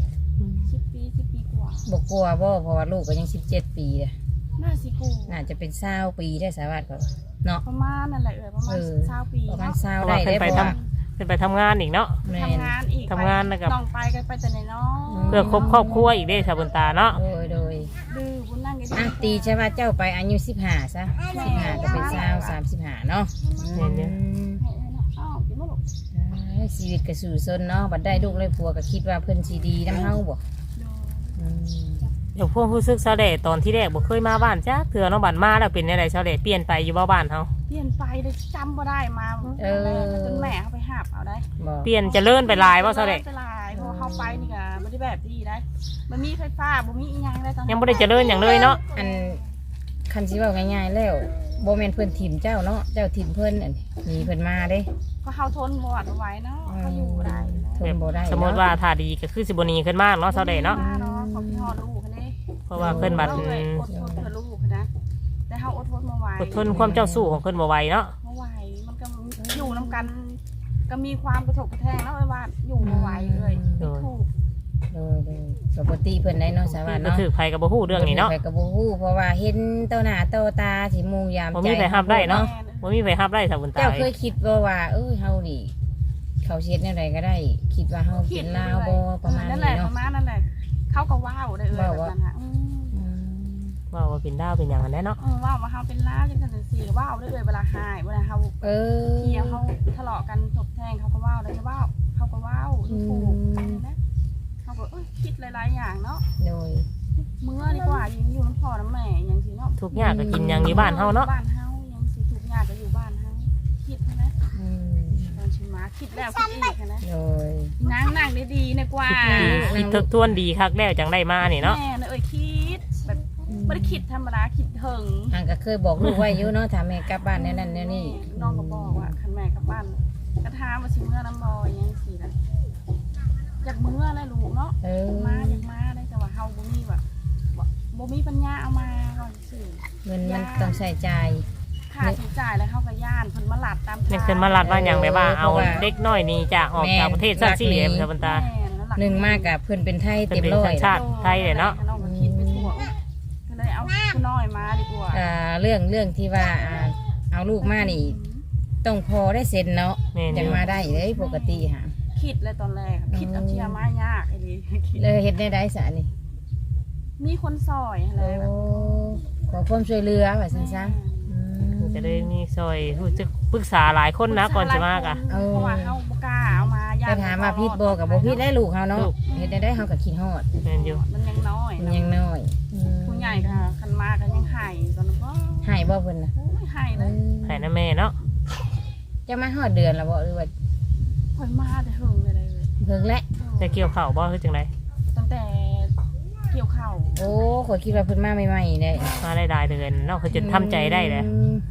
Speaker 3: 10 ปีกว่า
Speaker 2: บ่กลัวบ่เพราะว่าลูกก็ยัง17 ปีเลย
Speaker 3: น่าสิกู
Speaker 2: น่าจะเป็น20 ปีได้สาวัสดิ์ก็เนาะ
Speaker 3: ประมาณนั่นแหละประมาณ20 ปี
Speaker 2: ประมาณ
Speaker 3: เนาะ
Speaker 2: 20
Speaker 1: เพราะ
Speaker 2: ได้
Speaker 1: ว่า
Speaker 2: ได้
Speaker 1: เพิ่นไป
Speaker 2: เพราะ
Speaker 1: ทำ
Speaker 2: ว่า
Speaker 1: เพิ่นไปทำงานอีกเนาะ
Speaker 2: แม่
Speaker 3: ทำงานอีก
Speaker 1: ทำงานนะครับ
Speaker 3: น้องไปก็ไปแต่ในน้อง
Speaker 1: เพื่อครอบครัวอีกเด้ชาวบุญตาเนาะ
Speaker 2: โดย
Speaker 3: ดื้อบุญนั่งกัน
Speaker 2: อ่ะตีใช่ว่าเจ้าไปอายุ15ซะ15ก็เป็น20 35เนาะ
Speaker 3: อ้าวกินบ่ลูก
Speaker 2: ชีวิตก็สู่ซนเนาะบัดได้ลูกได้ผัวก็คิดว่าเพิ่นสิดีนำเฮาบ่อืม
Speaker 1: เดี๋ยวพวกรู้สึกชาวเล่ตอนที่แรกบ่เคยมาบ้านจ้าเถื่อเนาะบ้านมาแล้วเป็นจังไดชาวเล่เปลี่ยนไปอยู่บ้านเฮา
Speaker 3: เปลี่ยนไปเลยจำบ่ได้มาจนแม่เขาไปหาบเอาได้
Speaker 2: บ่
Speaker 1: เปลี่ยนเจริญไปหลายบ่ชาวเล่
Speaker 3: ไปหลายพอเข้าไปนี่ก็บ่ได้แบบดีได้มันมีไฟฟ้าบ่มีอีหยังได้ตอน
Speaker 1: ยังบ่ได้เจริญหยังเลยเนาะ
Speaker 2: อันคันสิเว้าง่ายๆแล้วบ่แม่นเพิ่นถิ่มเจ้าเนาะเจ้าถิ่มเพิ่นอันหนีเพิ่นมาเด้
Speaker 3: ก็เฮาทนบ่ไหวเนาะเขาอยู่บ่ได้
Speaker 2: ทนบ่ได้
Speaker 1: สมมุติว่าถ้าดีก็คือสิบ่หนีขึ้นมากเนาะชาวเล่เนาะ
Speaker 3: เขาพี่ฮอดลูกคันนี้
Speaker 1: เพราะว่าเพิ่นบัด
Speaker 3: อดทนเพื่อลูกนะแต่เฮาอดทนบ่ไหว
Speaker 1: อดทนความเจ้าสู้ของเพิ่นบ่ไหวเนาะ
Speaker 3: บ่ไหวมันก็อยู่นํกันก็มีความกระทบกระแทกเนาะว่าอยู่บ่ไหวเลยถูก
Speaker 2: โดยปกติเพิ่นได้เนาะสาวัสดิ์
Speaker 1: บ่
Speaker 2: เนาะ
Speaker 1: ถือไผก็บ่ฮู้เรื่องนี้เนาะ
Speaker 2: ไปก็บ่ฮู้เพราะว่าเห็นต่อหน้าต่อตาสิมุงยาม
Speaker 1: บ่
Speaker 2: ใจ
Speaker 1: มีไผห้ามได้เนาะ บ่มีไผรับได้ชาวบุญตา
Speaker 2: เจ้าเคยคิดบ่ว่าเฮานี่เขาเช็ดแนวใดก็ได้ คิดว่าเฮาเป็นลาวบ่ประมาณ
Speaker 3: นั่นแห
Speaker 2: นี้
Speaker 3: ละป
Speaker 2: เนาะ
Speaker 3: ระมาณนั่นแหละเขาก็ว้าวได้แบบนั้นฮะ
Speaker 2: อืม
Speaker 1: ว่าเป็นดาวเป็นหยังอันนั้นเนาะ
Speaker 3: ว้าวมาเฮาเป็นล้าจังซั่นสิว้าวได้เวลาหายเวลาเฮา
Speaker 2: เออ
Speaker 3: เที่ยวเขาทะเลาะกันตบแทงเขาก็ว้าวได้ว้าวเขาก็ว้าวถูกนะเขาก็คิดหลายๆอย่างเนาะ
Speaker 2: โดย
Speaker 3: เมื่อดีกว่ายังอยู่น้ำพ่อน้ำแม่ยังสิเนาะ
Speaker 1: ทุกอย่างก็กินหยังอยู่บ้านเฮาเนาะ
Speaker 3: บ้านเฮายังสิทุกอย่างก็อยู่บ้านเฮาคิดนะ
Speaker 2: อืม
Speaker 3: ตอนชิมาคิดแล้วคิดอีกนะ
Speaker 2: โดย
Speaker 3: นั่งได้ดีนะกว่า
Speaker 1: คิดทบทวนดีคักแล้วจังได้มานี่เนาะ
Speaker 3: แม่นะคิดแบบไม่ได้คิดธรรมดาคิดถึง
Speaker 2: อันก็เคยบอกลูกไว้อยู่เนาะถ้าแม่กลับบ้านแนวนั้นแนวนี้
Speaker 3: น้องก็บอกว่าคันแม่กลับบ้านกระทามาชิเมื่อน้ำบอยยังสินะอยากเมื่อเลยลูกเนาะ
Speaker 2: เออ
Speaker 3: อยากมาได้แต่ว่าเฮาบ่มีแบบบ่มีปัญญาเอามาก่อนสิ
Speaker 2: เงินมันต้องใช้จ่าย
Speaker 3: ค่าใช้จ่ายแล้วเฮาก็ย่านเพิ่นมาหลัดตาม
Speaker 1: นี่ขึ้นมาลัดว่าหยังแบบว่าเอาเด็กน้อยนี่จากออกจากประเทศซะสิเอ็มชาวบุญตา
Speaker 2: หนึ่งมากกับเพิ่นเป็นไทย
Speaker 1: เป็น
Speaker 2: เต็มร้อย
Speaker 1: สัญชาติไทยเลยเนาะ
Speaker 3: น้องก็คิดไปทั่วก็เลยเอาผู้น้อยมาดีกว่า
Speaker 2: เรื่องที่ว่าเอาลูกมานี่ ต้องพอได้เซ็นเนาะ
Speaker 1: แม่นอยู่
Speaker 2: จังมาได้เลยปกติค่ะ
Speaker 3: คิดเลยตอนแรกคิดเอาเชียร์มายากไอ้นี่คิด
Speaker 2: เลยเฮ็ดได้สะนี่
Speaker 3: มีคนซอยอะไร
Speaker 2: โอ้
Speaker 3: แบบ
Speaker 2: ขอความช่วยเหลือว่าซั่นซะอืม
Speaker 1: จะได้มีซอยรู้สึกปรึกษาหลายคนนะก่อนจะมากอ่ะ
Speaker 3: เพราะว่าเฮาบ่กล้าเอามาย่า
Speaker 2: แต่
Speaker 3: น
Speaker 2: ถามว่าผิดบ่กับบ่ผิดได้ลูกเฮาเนาะ
Speaker 1: ลูก
Speaker 2: เฮ็ดได้เฮาก็คิดฮอด
Speaker 1: แม่นอยู่
Speaker 3: มันยังน้อย
Speaker 2: มันยังน้อยอืม
Speaker 3: ผู้ใหญ่ก็คันมาก็ยังหายตอนนั้นบ่
Speaker 2: ให้บ่เพิ่นน่ะ
Speaker 3: โอ้ยหายเลย
Speaker 1: ให้นะแม่เนาะ
Speaker 2: จะมาฮอดเดือนแล้วบ่หรือว่า
Speaker 3: เพิ่นมาแต่หึงเลย
Speaker 2: เพิ่งและ
Speaker 1: จะเกี่ยวข้าวบ่คือจังได
Speaker 3: ตั้งแต่เกี่ยวข้าว
Speaker 2: โอ้ขอยคิดว่าเพิ่นมาใหม่ๆเด้
Speaker 1: มาได้หลายเดือนเนาะคือจนทำใจได้เลย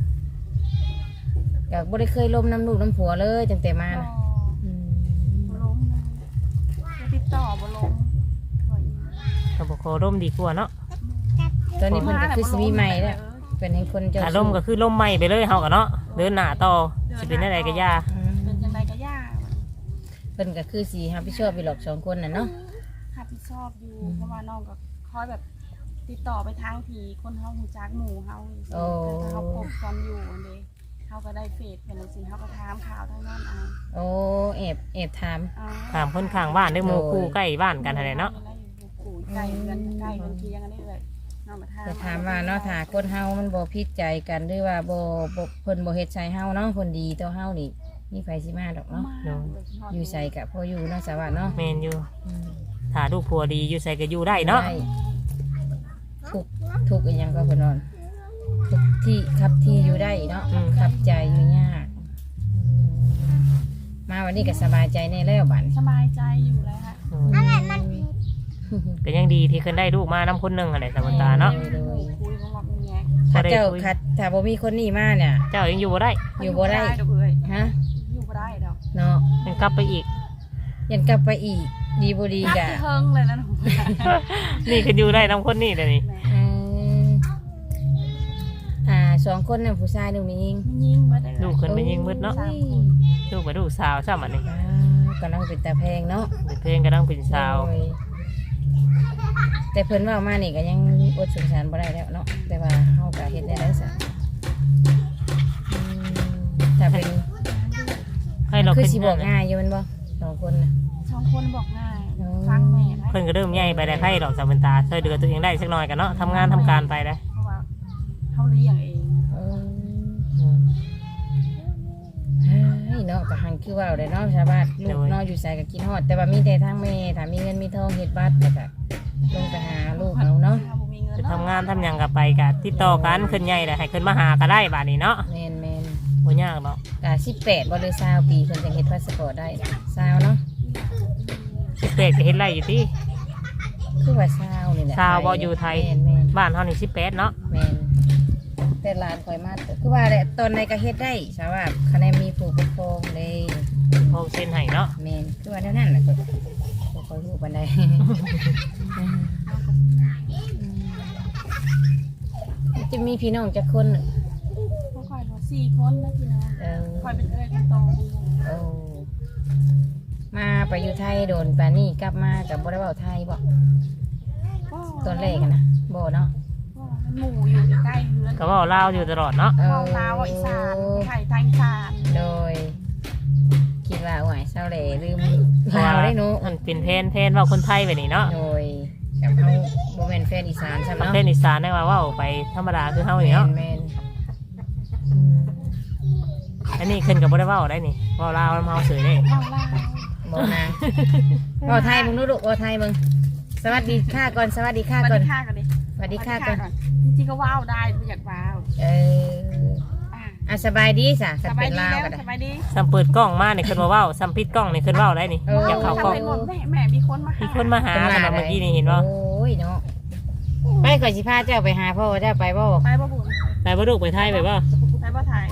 Speaker 2: ก็บ่ได้เคยล้มน้ำลูกน้ำผัวเลยตั้งแต่มานะ
Speaker 3: บ่ล้มเลยติดต่อบ่ล้ม
Speaker 1: ก็บ่ขอร่มดีกว่าเนาะ
Speaker 2: ตอนนี้เพิ่นก็คือสิมีใหม่แล้วเป็นให้คนเจ้า
Speaker 1: ถ้าร่มก็คือร่มใหม่ไปเลยเฮาก็เนาะเดินหน้าต่อสิเป็นอะไรก็ย่า
Speaker 2: อืม
Speaker 3: เป็นจังไดก็ยาก
Speaker 2: เพิ่นก็คือสิรับผิดชอบไปหรอกสองคนน่ะเนาะ
Speaker 3: รับผิดชอบอยู่เพราะว่าน้องก็คอยแบบติดต่อไปทางทีคนเฮาฮู้จักหมู่เฮาถ้าเฮาพบตอนอยู่อันนี้เฮาก็ได้เฟซเป็นสิเฮาก็ถามข่าวทางนั้นเอา
Speaker 2: โอ้แอบถาม
Speaker 1: ถามคนข้างบ้านได้หมู่คู่ใกล้บ้านกันอะไรเนาะ
Speaker 3: ใกล้เรือนใกล้เรือนเคียงกันนี่เลยน้องมาถาม
Speaker 2: จะถามว่าเนาะถ้าคนเฮามันบ่ผิดใจกันหรือว่าบ่เพิ่นบ่เฮ็ดใส่เฮาเนาะคนดีต่อเฮานี่มีไผสิมาดอกเนาะอยู่ใส่ก็พออยู่เนาะสวัสดิ์เนาะ
Speaker 1: แม่นอยู่
Speaker 2: อืม
Speaker 1: ถ้าลูกผัวดีอยู่ใส่ก็อยู่ได้เนาะ
Speaker 2: ได้ทุกอีหยังก็เพิ่นนอนทุกที่ขับที่อยู่ได้เนาะขับใจอยู่ยากมาวันนี้ก็สบายใจแน่แล้วบัดนี้
Speaker 3: สบายใจอยู่แล้วฮะ
Speaker 1: ก็ยังดีที่เคยได้ลูกมาน้ำคนหนึงอะไรสมตาเนาะ
Speaker 3: คุยกันว่าเป็นไง
Speaker 2: ถ้าเจ้า
Speaker 1: บ่ได้คุย
Speaker 2: คัดถ้าบ่มีคนนี้มาเนี่ย
Speaker 1: เจ้ายังอยู่บ่ได้
Speaker 2: อยู่บ่ได้
Speaker 3: ดอกเอ้ย
Speaker 2: ฮะ
Speaker 3: อยู่บ่ได้ดอก
Speaker 2: เนาะ
Speaker 1: ยังกลับไปอีก
Speaker 2: ยันกลับไปอีก ดีบ่ดี
Speaker 3: นัก
Speaker 2: กะ
Speaker 3: ที่เฮิงเลยนะหนู
Speaker 1: นี่คืออยู่ได้น้ำคนนี่เลยนี่
Speaker 2: เออสองคนน่ะผู้ชายหนึ่งมีหญิง
Speaker 3: ยิงมาได้
Speaker 1: ลูกคนไม่ยิงมืดเนาะ
Speaker 3: 3 คน
Speaker 1: ลูกไปลูกสาวซ้ำอันนี้
Speaker 2: กำลังเป็นตาแพงเนาะ
Speaker 1: เป็นเพลงก็ต้องเป็นสาว
Speaker 2: โอ้ยแต่เพิ่นเว่ามานี่ก็ยังอดสงสารบ่ได้แล้วเนาะแต่ว่าเฮาก็เฮ็ดได้ซะถ้าเป็น
Speaker 1: ให้เรา
Speaker 2: คือ
Speaker 1: ขึ้น
Speaker 2: สิบอกง่ายอยู่แมันบ่สองคนน่ะ
Speaker 3: 2 คนบอกง่ายฟังแม่ได้
Speaker 1: เพิ่นก็เริ่มใหญ่ไปได้ให้ดอกสาวบนตาช่วยเหลือตัวเองได้สักหน่อยกันเนาะทำงานทำการไปได้
Speaker 3: เพราะว่าเขาเลี้ยงเอง
Speaker 2: เฮ้ยเนาะก็หันคือว่าได้เนาะชาวบ้านลูกเนาะอยู่ไสก็กินฮอดแต่ว่ามีแต่ทางแม่ถ้ามีเงินมีทองเฮ็ดบัตรแล้วก็ลงไปหาลูกเอาเนาะ
Speaker 3: ถ้าบ่มีเงิน
Speaker 1: จะ
Speaker 3: เนาะ
Speaker 1: ทำงานทำหยังกับไปกับติดต่อกันขึ้นใหญ่เลยให้ขึ้นมาหาก็ได้บาดนี้เนาะ
Speaker 2: แม่น
Speaker 1: บ่ยากเนาะ
Speaker 2: ก็18บ่หรือ20ปีเพิ่นจะเฮ็ดพาสปอร์ตได้20เนาะ
Speaker 1: 18ก็เฮ็ดไรอยู่ที่
Speaker 2: คือว่า20นี่แหละ
Speaker 1: 20บ่อยู่ไทย
Speaker 2: แม่น
Speaker 1: บ้านเฮานี่18เนาะ
Speaker 2: แม่นแต่หลานข่อยมาคือว่าแหละตอนไหนก็เฮ็ดได้สาวว่าคะแนนมีผู้ปกครองเลย
Speaker 1: โฮมเซ็นให้เนาะ
Speaker 2: แม่นคือว่าแนวนั้นแหละก็บ่ค่อยรู้ปานใด จะมีพี่น้องจักคน
Speaker 3: พวกข่อยบ่4 คนนะพี่น้อง ข่อยเป็นเอ้ยคนโต
Speaker 2: โอ้มาไปอยู่ไทยโดนปานนี้กลับมากับบ่ได้เว้าไทยบ่ตอนแรกอะนะบ่เนาะ
Speaker 3: หมู่อยู่ใกล้ๆเฮือน
Speaker 1: ก็เว้าลาวอยู่ตลอดเนาะ
Speaker 3: เว้าลาวเว้าอีสานไทยอีสาน
Speaker 2: โดย คิดว่าโอ้ยเศร้าแหล่ลืมลาวได้หนู
Speaker 1: มันเป็นเพนเว้าคนไทยไปนี่เนาะ
Speaker 2: โดยกับเฮาบ่แม่นแฟนอีสานใช่
Speaker 1: ประ
Speaker 2: เนาะ
Speaker 1: เทศอีสานได้ว่าเว้าไปธรรมดาคือเฮานี่เนาะ
Speaker 2: แม่น
Speaker 1: อันนี้ขึ้นก็บ่ได้เว้าได้นี่เว้าลาวนำเฮาเฉยได้
Speaker 3: เว้าลาว
Speaker 2: ๆบ่นะบ่ไทยมึงดูลูกบ่ไทยมึงสวัสดีค่ะก่อนสวัสดีค่ะ
Speaker 3: สวัส
Speaker 2: ก่อน
Speaker 3: ดีค่ะกันดิ
Speaker 2: สวัสดีค่ะก่อน
Speaker 3: จริงๆก็ว้าวได้ไม่อยากว้าว
Speaker 2: เอออ่ะสบายดีจ้ะ
Speaker 3: ส
Speaker 2: ถ้า
Speaker 3: บา
Speaker 2: เป็
Speaker 3: ย
Speaker 2: น
Speaker 3: ดี
Speaker 2: ลาว
Speaker 3: แล้ว
Speaker 2: ก็ได้
Speaker 3: สบายดี
Speaker 1: ซ้ำเปิดกล้องมานี่ขึ้นมาเว้าซ้ำปิดกล้องนี่ขึ้นเว้าได้นี่
Speaker 2: เออ
Speaker 1: อยากเข้ากล้อง
Speaker 3: ทำเป็นหมดแม่มีคนมาหา
Speaker 1: มีคนมาหา
Speaker 2: เป็นหล
Speaker 1: เมื่อกี้นี่เห็นบ่
Speaker 2: โอ้ยเนาะไปก่อนสิพาเจ้าไปหาพ่อเจ้าไปบ่
Speaker 3: ไปบ่บุญ
Speaker 1: ไปบ่ลูกไปไทยไปบ่
Speaker 3: ไปบ่ไทย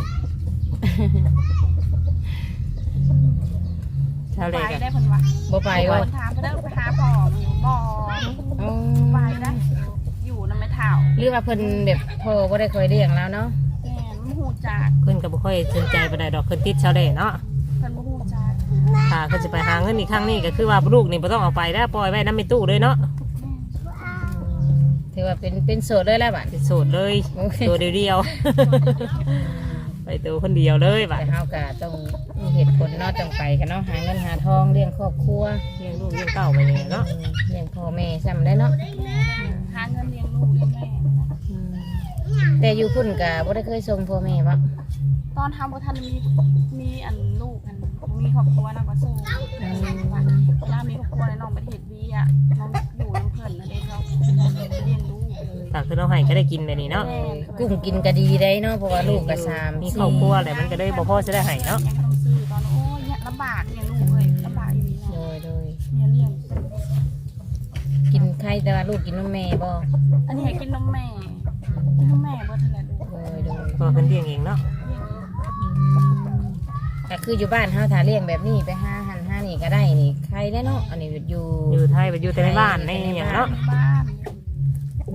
Speaker 1: ชาว
Speaker 3: ไป
Speaker 1: เลก
Speaker 3: ได้เพิ่นว่า
Speaker 2: บ่ไป
Speaker 3: ไป
Speaker 2: บ่
Speaker 3: ถามไปเด้อไปหาพ่อบ่
Speaker 2: อ๋อ
Speaker 3: ไปได้อยู่นำไม่เท่า
Speaker 2: หรือว่าเพิ่นแบบพ่อบ่ได้เคยเลี้ยงแล้วเนาะ
Speaker 3: แม่นบ่ฮู้จัก
Speaker 1: ขึ้นก็บ่ค่อยสนใจปานใดดอกขึ้นติดชาวเลเนาะ
Speaker 3: เพิ่นบ่ฮู้จัก
Speaker 1: ถ้าขึ้นสิไปหาเงินอีกครั้งนี้ก็คือว่าลูกนี่บ่ต้องเอาไปแล้วปล่อยไว้นำในตู้เลยเนาะ
Speaker 2: ถือว่าเป็นโสดเลยแล้วบัด
Speaker 1: เป็นโสดเลย
Speaker 2: โอเค
Speaker 1: ตัวเดียวๆ ไปตัวคนเดียวเลยบัด
Speaker 2: แต่เฮาก็ต้องมีเหตุผลเนาะต้องไปกันเนาะหาเงินหาทองเลี้ยงครอบครัว
Speaker 1: เลี้ยงลูกเลี้ยงเต้าไปเลยเนาะ
Speaker 2: เลี้ยงพ่อแม่ซ้ำได้เนาะ
Speaker 3: หาเงินเลี้ยงลูกเลี้ยงแม่นะ
Speaker 2: แต่อยู่พุ่นก็บ่ได้เคยส่งพ่อแม่บ่
Speaker 3: ตอนทำบ่ทันมีอันลูกอันมีครอบครัวนะก็สู้ย่ามีครอบครัวในน้องประเทศวีอ่ะน้องอยู่น้ำเพิ่นนะเด็กเขาเลี้ยงลูก
Speaker 1: ถ้าคือน้องให้ก็ได้กินเลยนี่เนาะ
Speaker 2: กุ้งกินก็ดีได้เนาะเพราะว่าลูกก็3
Speaker 1: มีครอบครัวแหละมันก็ได้บ่พอจะได้ให้เนาะ
Speaker 3: ยังต้องซื้อตอนโอ้ยลำบากเลี้ยงลูกเลยลำบากอยู่ดี
Speaker 2: โด
Speaker 3: เนาะ
Speaker 2: ยโดย
Speaker 3: เนี่ยเลี้ยง
Speaker 2: กินไข่แต่ว่าลูกกินนมแม่บ่
Speaker 3: อันนี้ให้กินนมแม่กินนมแม่บ่ทันแหละลูก
Speaker 2: โดยโดย
Speaker 1: ก็เพิ่นเลี้ยงเองเนาะ
Speaker 2: ก็คืออยู่บ้านเฮาถ้าเลี้ยงแบบนี้ไปหาหันหานี่ก็ได้นี่ใครได้เนาะอันนี้อยู่
Speaker 1: อยู่ไทยไปอยู่แต่ในบ้านในหยังเนาะ
Speaker 3: ในบ้าน
Speaker 2: อื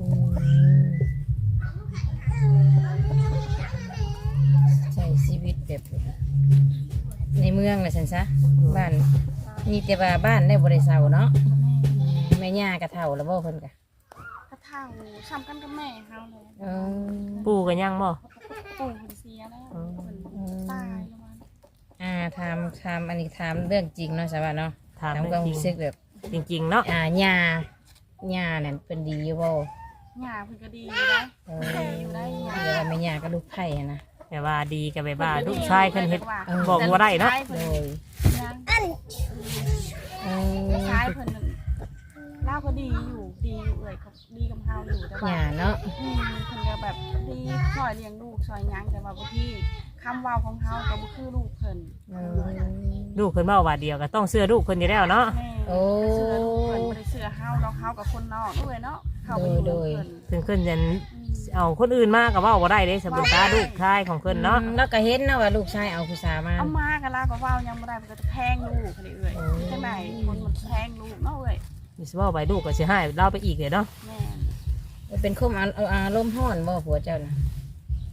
Speaker 2: มใช้ชีวิตแบบในเมืองน่ะซั่นซะบ้านมีแต่ว่าบ้านได้บ่ได้เซาเนาะแม่ย่าก็เฒ่าแล้วบ่เพิ่นก็
Speaker 3: กระเท่าซ้ำกันกับแม่เฮาเลย
Speaker 2: เออ
Speaker 1: ปู่ก็ยังบ่
Speaker 3: ปู่เพิ่นเสียแล้วเพิ่นตายแล้วมัน
Speaker 2: ถามอันนี้ถามเรื่องจริงเนาะสวัสดีเนาะ
Speaker 1: ถาม
Speaker 2: ถาม
Speaker 1: เรื่
Speaker 2: ความ
Speaker 1: อง
Speaker 2: รู้สึกแบบ
Speaker 1: จริงๆเนาะ
Speaker 2: ย่านั่นเป็นดีอยู่บ่
Speaker 3: หญ้าเพิ่นก็ดีนะ
Speaker 2: เออ
Speaker 3: อยู่ได้หญ้า
Speaker 2: เดี๋ยวว่าแม่ย่าก็ลูกไผ่อะนะ
Speaker 1: แต่ว่าดีกับแบบว่าลูกชายเพิ่นเฮ็ด บอก
Speaker 3: แต่
Speaker 1: บ่ได้เนาะ
Speaker 3: ลูกชย
Speaker 2: โด
Speaker 3: เพิ่น
Speaker 2: ย
Speaker 3: ยัง
Speaker 2: เอ
Speaker 3: ลูก
Speaker 2: อ
Speaker 3: ชายเพิ่นนั่นเล่าก็ดีอยู่เลยเขาดีกับเฮาอยู่แต่ว่า
Speaker 2: ย่าเนาะ
Speaker 3: เพิ่นก็แบบดีช่วยเลี้ยงลูกช่วยหยังแต่ว่าบางทีคำเว้าของเฮาก็บ่คือลูกเพิ่น
Speaker 2: เออ
Speaker 1: ลูกเพิ่นเว้าว่าเดียวก็ต้องเชื่อลูกเพิ่นอยู่แล้วเนาะ
Speaker 3: แม่
Speaker 2: โอ้
Speaker 3: เสื้อลูกเพิ่นบ่ได้เสื้อเฮาเราเฮากับคนนอกด้วยเนาะเฮาก็อยู่
Speaker 2: โด
Speaker 3: กับ
Speaker 2: ย
Speaker 3: เพิ่น
Speaker 1: ถึงเพิ่นจะเอาคนอื่นมาก็เว้าบ่ได้เด้สมมุติตาลูกชายของเพิ่นเนาะ
Speaker 2: แล้วก็เห็นนะว่าลูกชายเอาผู้สาวมา
Speaker 3: เอามากันแล้วก็เว้ายังบ่ได้มันก็จะแพงลูกเขาเลยเอ้ยจังไดคนมันแพงลูกเนาะเอ้ย
Speaker 1: มีสิเว้าไปลูกก็สิให้เราไปอีกเลยเนาะ
Speaker 3: แม่น
Speaker 2: เป็นคมอารมณ์ร้อนบ่ผัวเจ้าน่ะ
Speaker 3: ถ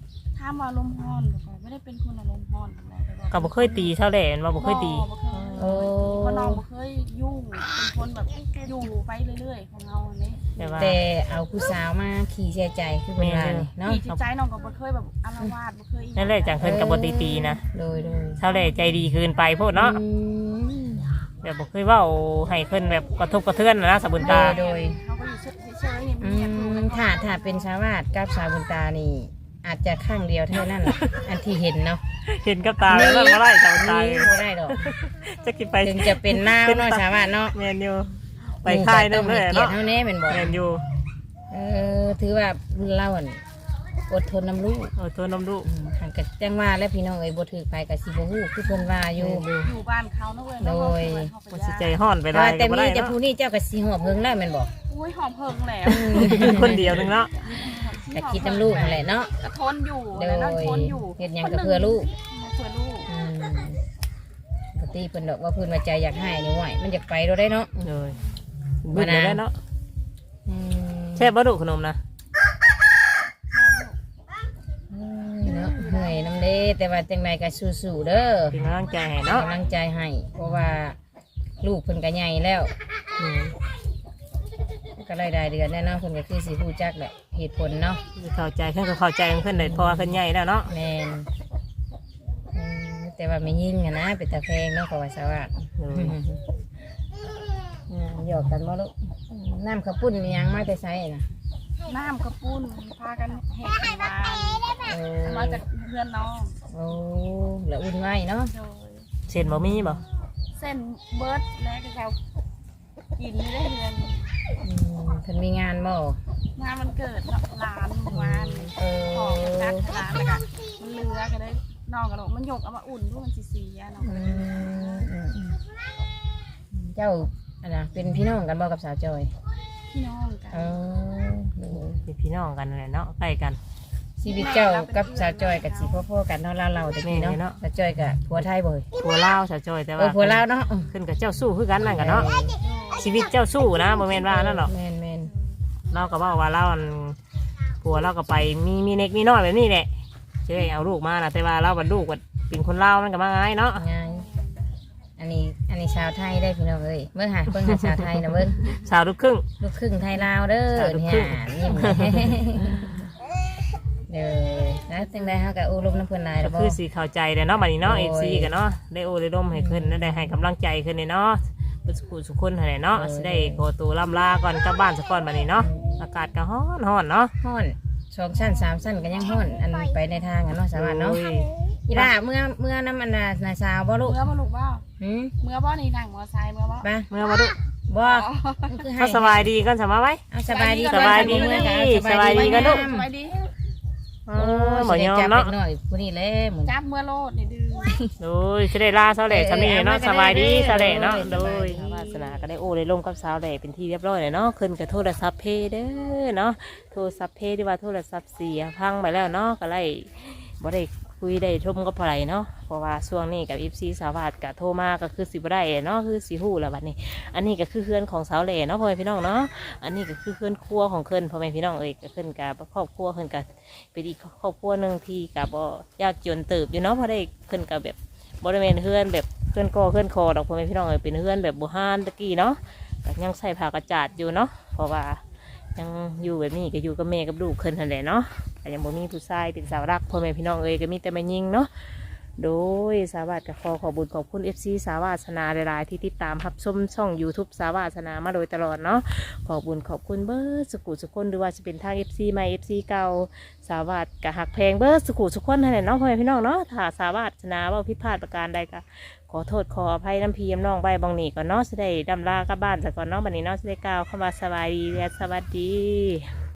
Speaker 3: ามว่าลมณ์ร้อนก็ไม่ได้เป็นคนอารมณ์ร้อนปานใดแต่ว่า
Speaker 1: ก็บ่เคยตีเท่าแหล่มันบ่เคยตี
Speaker 3: บ่เคย
Speaker 2: โอ้
Speaker 3: เพราะน้องบ่เคยยุ่งเป็นคนแบบอยู่ไปเรื่อยๆของเราอันนี้
Speaker 1: แต่ว่า
Speaker 2: แต่เอาผู้สาวมาขี่เสียใจคือเป็นว่านี่เนาะ
Speaker 3: ที่จิตใจน้องก็บ่เคยแบบอาละวาดบ่เคย
Speaker 1: นั่นแหละจังเพิ่นก็บ่ตีนะ
Speaker 2: โดย
Speaker 1: เท่าแหล่ใจดีเกินไปโพดเนาะ
Speaker 2: อืม
Speaker 1: แบบบ่เคยเว้าให้เพิ่นแบบกระทบกระเทือนนะสาวบุญตา
Speaker 2: โดย
Speaker 3: เขาก็อยู่เฉยๆเงียบๆอยู่
Speaker 2: ถ้าเป็นชาวบ้านกับสาวบุญตานี่ อาจจะข้างเดียวเท่านั้นแหละอันที่เห็นเนาะ
Speaker 1: เห็นกับตาแล้วบ่ได้สาวบุญตา
Speaker 2: นี่บ่ได้ดอก
Speaker 1: จะกินไป
Speaker 2: ถึงจะเป็นหน้าเนาะชาวบ้านเนาะ
Speaker 1: แม่นอยู่ไปค่ายนึงเลย
Speaker 2: เกียร
Speaker 1: เนาะ
Speaker 2: ติเท่านี้เป็นบ่
Speaker 1: แม่นอยู่
Speaker 2: ถือว่าเล่าอั่นอดทนน้ำลูก
Speaker 1: เอาตัวน้ำลูก
Speaker 2: หันกับแจ้งว่าและพี่น้องเอ้ยบ่ถือไปกับสิบ่ฮู้คือเพิ่นว่าอยู่
Speaker 3: อยู่บ้านเขาเนาะเว้ยเนาะ
Speaker 2: โดย
Speaker 1: บ่สิใจฮ้อนไปได้
Speaker 2: ว่าแต่
Speaker 1: ก็บ่
Speaker 2: มี
Speaker 1: ได้
Speaker 2: แต่
Speaker 1: เนาะ
Speaker 2: ผู้นี้เจ้าก็สิหอบเฮิงแล้วแม่นบ่
Speaker 3: อุ้ยหอมเพิงแล้ว
Speaker 1: คนเดียวนึงเนาะ
Speaker 2: แต่คิดน้ำลูกนั่นแหละเนาะ
Speaker 3: ก็ทนอยู่
Speaker 2: โด
Speaker 3: แล้ว
Speaker 2: ย
Speaker 3: ทนอยู่
Speaker 2: เฮ็ดหยังก็เพื่อลูก
Speaker 3: เพื่อลูก
Speaker 2: ปกติเพิ่นดอกว่าเพิ่นว่าใจอยากให้นี่ไหวมันอยากไปเราได้เนาะ
Speaker 1: เลยบึ้งเลยเนาะ
Speaker 2: อืม
Speaker 1: แช่บ่ดุขนมนะ
Speaker 2: เนาะเหนื่อยน้ำเด้แต่ว่าจังไดก็สู้ๆเด้อ
Speaker 1: เป็นกำลังใจให้เนาะ
Speaker 2: กำลังใจให้เพราะว่าลูกเพิ่นก็ใหญ่แล้ว
Speaker 1: อืม
Speaker 2: ก็ได้เดือนแน่เนาะเพิ่นก็คือสิฮู้จักแหละเหตุผลเนาะ
Speaker 1: เข้าใจเพิ่นก็เข้าใจของเพิ่นเลยเพราะว่าเพิ่นใหญ่แล้วเนาะ
Speaker 2: แม่นแต่ว่าไม่ยิ่งอะนะเป็นตาแพงเนาะก็ว่าซะว่า
Speaker 1: เลย
Speaker 2: หยอกกันบ่ลูกน้ำข้าวปุ้นมีหยังมาแต่ไสน่ะ
Speaker 3: น้ำกระปุ้นพากันแหกกันวาน
Speaker 2: โอ้
Speaker 3: มาจากเพื่อนน้อง
Speaker 2: โอ้แล้วอุ่นไว้เนาะ
Speaker 3: โดย
Speaker 1: เส้นบ่มีบ่
Speaker 3: เส้นเบิร์ดและก็เขากินไม่ได้เดือน
Speaker 2: เพิ่นมีงานบ่
Speaker 3: งานมันเกิดร้านเมื่อวาน
Speaker 2: เอ
Speaker 3: ของ
Speaker 2: อ
Speaker 3: นัดร้านแล้วก็มันเหลือก็ได้น้องกันบอกมันหยกเอามาอุ่นด้วยมันสีๆน้อง
Speaker 2: เจ้าอันน่ะเป็นพี่น้องกันบ่กับสาวจอย
Speaker 3: พี่น้องกัน
Speaker 2: เออ
Speaker 1: เป็นพี่น้องกันนั่นแหละเนาะใกล้กัน
Speaker 2: ชีวิตเจ้ากับสาวจอยกับสิพ่อๆกันเนาะเราแต่พี่เนาะ
Speaker 1: แม่เนาะ
Speaker 2: สาวจอยกับผัวไทยบ่ย
Speaker 1: ผัวลาวสาวจอยแต่
Speaker 2: เออ
Speaker 1: ว่า
Speaker 2: ผัวลาวเนาะ
Speaker 1: ขึ้นกับเจ้าสู้คือกันนั่นกันเนาะชีวิตเจ้าสู้นะบ่แม่นว่านั่นหรอก
Speaker 2: แม่น
Speaker 1: เราก็บอกว่าเราอันผัวเราก็ไปมีเน็กมีน้อยแบบนี้แหละเจ้เอาลูกมานะแต่ว่าเราบัดลูกบัดเป็นคนลาวมันก็มาง่ายเนาะ
Speaker 2: ง่ายอันนี้ชาวไทยได้พี่น้องเอ้ยเบิ่งหาชาวไทยนะเบิ่ง
Speaker 1: สาวลูกครึ่ง
Speaker 2: ลูกครึ่งไทยลาวเด้อ
Speaker 1: ชาวลูก
Speaker 2: เนี่
Speaker 1: ครึ่
Speaker 2: ย
Speaker 1: ง
Speaker 2: ยิ้มเด้อนะจังได๋เฮาก็อบรมน้ำเพิ่นหลาย
Speaker 1: ก็
Speaker 2: แล้วบ่
Speaker 1: คือสีเข้าใจเด้อเนาะบัดนี้เนาะ
Speaker 2: โอ้
Speaker 1: เอย ซีกันเนาะได้โอได้ร่มให้ขึ้นได้ให้กำลังใจขึ้นเลยเนาะเป็นสุขุสุขคนให้เนาะสิได้โกตัวล่ำลาก่อนกลับบ้านสักก่อนบัดนี้เนาะอากาศก็ร้อนร้อนเนาะ
Speaker 2: ฮ้อน2ชั้น3ชั้นก็ยังฮ้อนอันไปในทางอะเนาะสวัสดีเนาะ
Speaker 1: โอ้ย
Speaker 2: อีล่าเมื่อน้ำอันน่ะสาวบ่ลูก
Speaker 3: เมื่อมาลูกบ่
Speaker 2: หืม
Speaker 3: เมื่อบ่นี่นั่งมอไซค์เมื่อบ่
Speaker 2: ไป
Speaker 1: เมื่อมาดู
Speaker 2: บ่คือให้
Speaker 1: เขาสบายดีกันสบายไหม
Speaker 2: เอาสบายดี
Speaker 1: สบายดี
Speaker 2: เมื่อกัน
Speaker 1: สบายดีกันลูก
Speaker 3: สบายดี
Speaker 2: โอ้ย
Speaker 1: หมอยอม
Speaker 2: จับ
Speaker 1: เนาะ
Speaker 2: เล็กน้อยผู้นี้แหละเหมือน
Speaker 3: จับเมื่อโลดนี่ดื้อ
Speaker 1: โดยจะได้ลาสาวแหล่สามีเนาะสบายดีสาวแหล่เนาะโด
Speaker 2: สบาย
Speaker 1: ย
Speaker 2: ดี
Speaker 1: วาสนาก็ได้โอ้ได้ร่มกับสาวแหล่เป็นที่เรียบร้อยเลยเนาะขึ้นกับโทรศัพท์เพย์เด้อเนาะโทรศัพท์เพย์ที่ว่าโทรศัพท์เสียพังไปแล้วเนาะก็เลยบ่ได้คุยได้ชมกับไผเนาะเพราะว่าช่วงนี้กับFCสาวาดก็โทรมาก็คือสิบ่ได้เนาะคือสิฮู้แล้วบัดนี้ อันนี้ก็คือเพื่อนของสาวแหล่เนาะพ่อแม่พี่น้องเนาะอันนี้ก็คือเพื่อนครัวของเพิ่นพ่อแม่พี่น้องเอ้ยก็เพิ่นกับครอบครัวเพิ่นกับเป็นอีกครอบครัวหนึ่งที่กับบ่ยากจนเติบอยู่เนาะเพราะได้เพิ่นกับแบบบริเวณเพื่อนแบบเพื่อนก่อเพื่อนคอดอกพ่อแม่พี่น้องเอ้ยเป็นเพื่อนแบบโบราณตะกี้เนาะก็ยังใส่ผ้ากระจาดอยู่เนาะเพราะว่ายังอยู่แบบนี้ก็อยู่กับแม่กับลูกเพิ่นนั่นแหละเนาะแต่ยังบ่มีผู้ชายเป็นสาวรักพ่อแม่พี่น้องเอ้ยก็มีแต่แม่ยิงเนาะ โดยสาวาสกับขอบุญขอบคุณ FC สาวาสนาหลายๆที่ติดตามรับชมช่อง YouTube สาวาสนามาโดยตลอดเนาะขอบุญขอบคุณเบิร์ดสุขุสุขคนหรือว่าจะเป็นทาง FC ใหม่ FC เก่าสาวาสกับหักแพงเบิร์ดสุขุสุขคนนั่นแหละเนาะพ่อแม่พี่น้องเนาะถ้าสาวาสนาว่าผิดพลาดประการใดก็ขอโทษขออภัยน้ำพีน้องใบบองหนีก่อนเนาะจะได้ดำลากลับบ้านจากก่อนเนาะบัดนี้เนาะจะได้กล่าวคำว่าสบายดีและสวัสดี